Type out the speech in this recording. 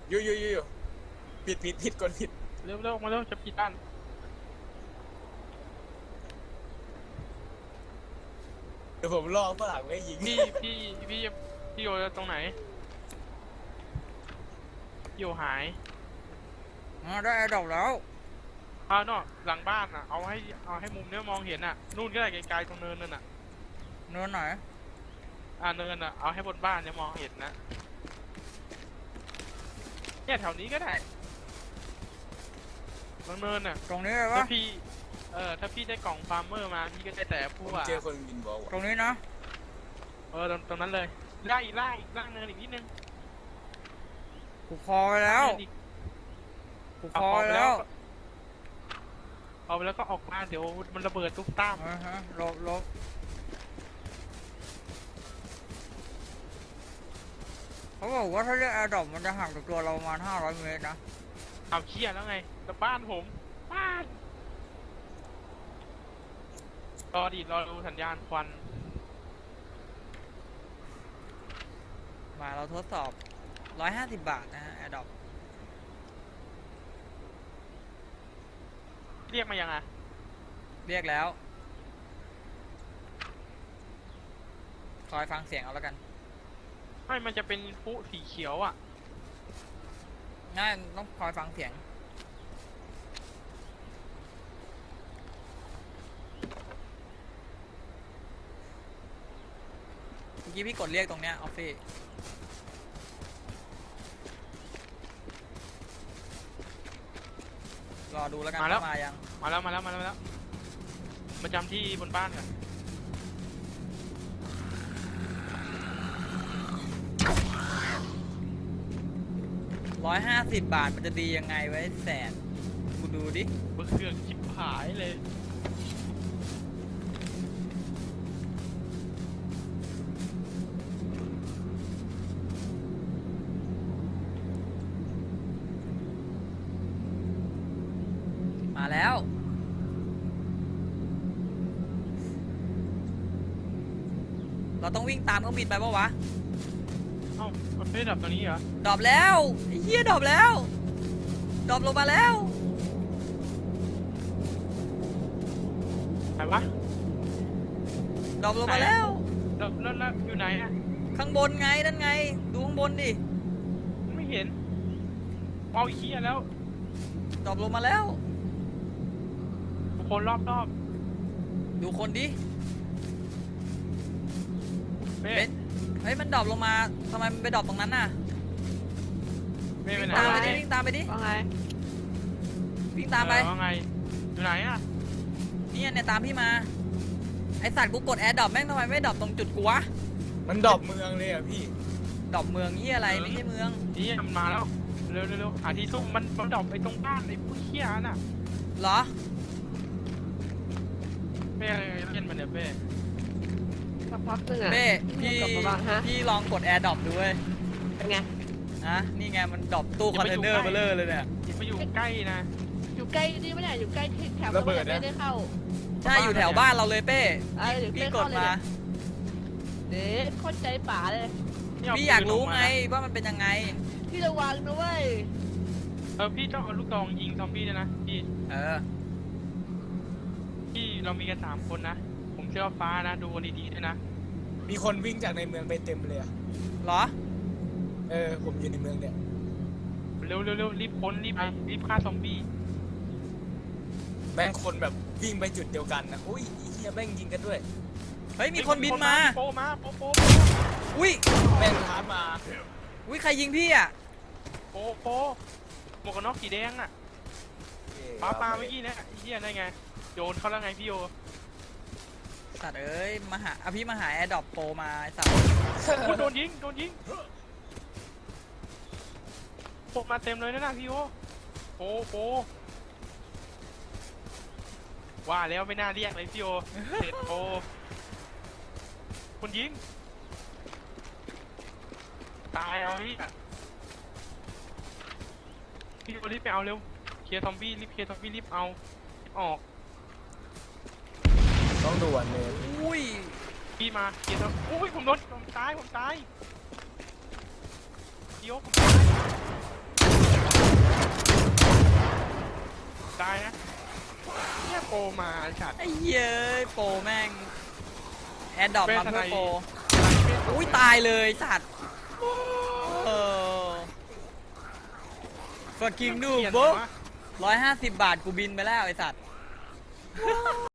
อยู่ผิดกดผิดเร็วมาเร็วจะปิดบ้านเดี๋ยวผมรอฝรั่งไม่ยิงพี่โยตรงไหนโยหายได้ดอกแล้วเนาะหลังบ้านอ่ะเอาให้มุมเนี้ยมองเห็นอ่ะนู่นก็ได้ไกลๆตรงเนินนั่นอ่ะเนินไหนเนินอ่ะเอาให้บนบ้านเนี่ยมองเห็นนะเนี่ยแถวนี้ก็ได้ตรงเนินอ่ะตรงนี้เลยวะถ้าพี่ได้กล่องฟาร์มเมอร์มาพี่ก็ได้แต่ผู้ว่าเจอคนบินบอลตรงนี้นะตรงนั้นเลยล่างเนินอีกนิดนึงผูกคอไปแล้วผูกคอไปแล้วเอาไปแล้วก็ออกมาเดี๋ยวมันระเบิดตุ๊กตาลบเขาบอกว่าถ้าเรียกแอร์ดรอปมันจะห่างจากตัวเราประมาณ500 เมตรนะเอาเคลียร์แล้วไงแต่บ้านผมบ้านรอดูสัญญาณควันมาเราทดสอบ150 บาทนะฮะแอร์ดรอปเรียกมายังเรียกแล้วคอยฟังเสียงเอาแล้วกันไม่มันจะเป็นผู้สีเขียวอ่ะง่ายต้องคอยฟังเสียงเมื่อกี้พี่กดเรียกตรงเนี้ยออฟฟี่รอดูแล้วกันมายังมาแล้วมาจำที่บนบ้านกัน 150 บาทมันจะดียังไงไว้แสนกูดูดิเบอร์เครื่องชิบหายเลยมาแล้วเราต้องวิ่งตามเครื่องบินไปปะวะเอ้ามันไม่ดับตรงนี้เหรอดรอปแล้วไอ้เหี้ยดรอปแล้วดรอปลงมาแล้วไหนวะดรอปลงมาแล้วแล้วอยู่ไหนอะข้างบนไงนั่นไงดูข้างบนดิไม่เห็นเอาอีกทีแล้วดรอปลงมาแล้วคนรอบดูคนดิเป็นเฮ้ยมันดรอปลงมาทำไมมันไปดรอปตรงนั้นน่ะวิ่งตามไปดิวิ่งตามไปดิว่าไงวิ่งตามไปว่าไงอยู่ไหนอ่ะเนี่ยตามพี่มาไอสัตว์กูกดแอร์ดรอปแม่งทำไมไม่ดรอปตรงจุดกูวะมันดรอปเมืองเลยอ่ะพี่ดรอปเมืองนี่อะไรไม่ใช่เมืองนี่มันมาแล้วเร็วหาที่ซุ่มมันดรอปไปตรงบ้านไอ้ผู้เหี้ยน่ะเหรอเป้เล่นมันเนี่ยเป้สักพักนึงอ่ะเป้พี่ลองกดแอร์ดรอปดูเว้ยเป็นไงนี่ไงมันดรอปตู้คอนเทนเนอร์เบลเลอร์เลยเนี่ยไปอยู่ใกล้นะอยู่ใกล้นี่ไม่ได้อยู่ใกล้แถวไม่ได้เข้าใช่อยู่แถวบ้านเราเลยเป้พี่กดมาเด็กเข้าใจป่าเลยพี่อยากรู้ไงว่ามันเป็นยังไงพี่ระวังนะเว้ยพี่ต้องเอาลูกดองยิงซอมบี้ด้วยนะพี่พี่เรามีกัน3 คนนะผมเชื่อฟ้านะดูดีๆด้วยนะมีคนวิ่งจากในเมืองไปเต็มเลยเหรอผมอยู่ในเมืองเนี่ยเร็วรีบพ้นรีบฆ่าซอมบี้แม่งคนแบบวิ่งไปจุดเดียวกันนะอุ้ยเฮียแม่งยิงกันด้วยเฮ้ยมีคนบินมาโปอุ้ยแม่งท้ามาอุ้ยใครยิงพี่อ่ะโปหมวกกันน็อกสีแดงอ่ะปาเมื่อกี้เนี่ยเฮียได้ไงโยนเขาแล้วไงพี่โยสัตว์เอ้ยพี่มาหาแอร์ดรอปโปมาสัตว์โดนยิงโปมาเต็มเลยนะพี่โยโปว่าแล้วไม่น่าเรียกเลยพี่โยเสร็จโปคนยิงตายเอาพี่โยรีบไปเอาเร็วเคลียร์ซอมบี้รีบเอาออกต้องด่วนเลยอุ้ยพี่มาเกียร์อุ้ยผมตายพี่โยผมตายนะเนี่ยโปรมาฉัดไอ้เย้ยโปรแม่งแอดดอปมาเพื่อโปรอุ้อุ้ยยตายเลยสัตว์fucking noob บุ๊150 บาทกูบินไปแล้วไอ้สัตว์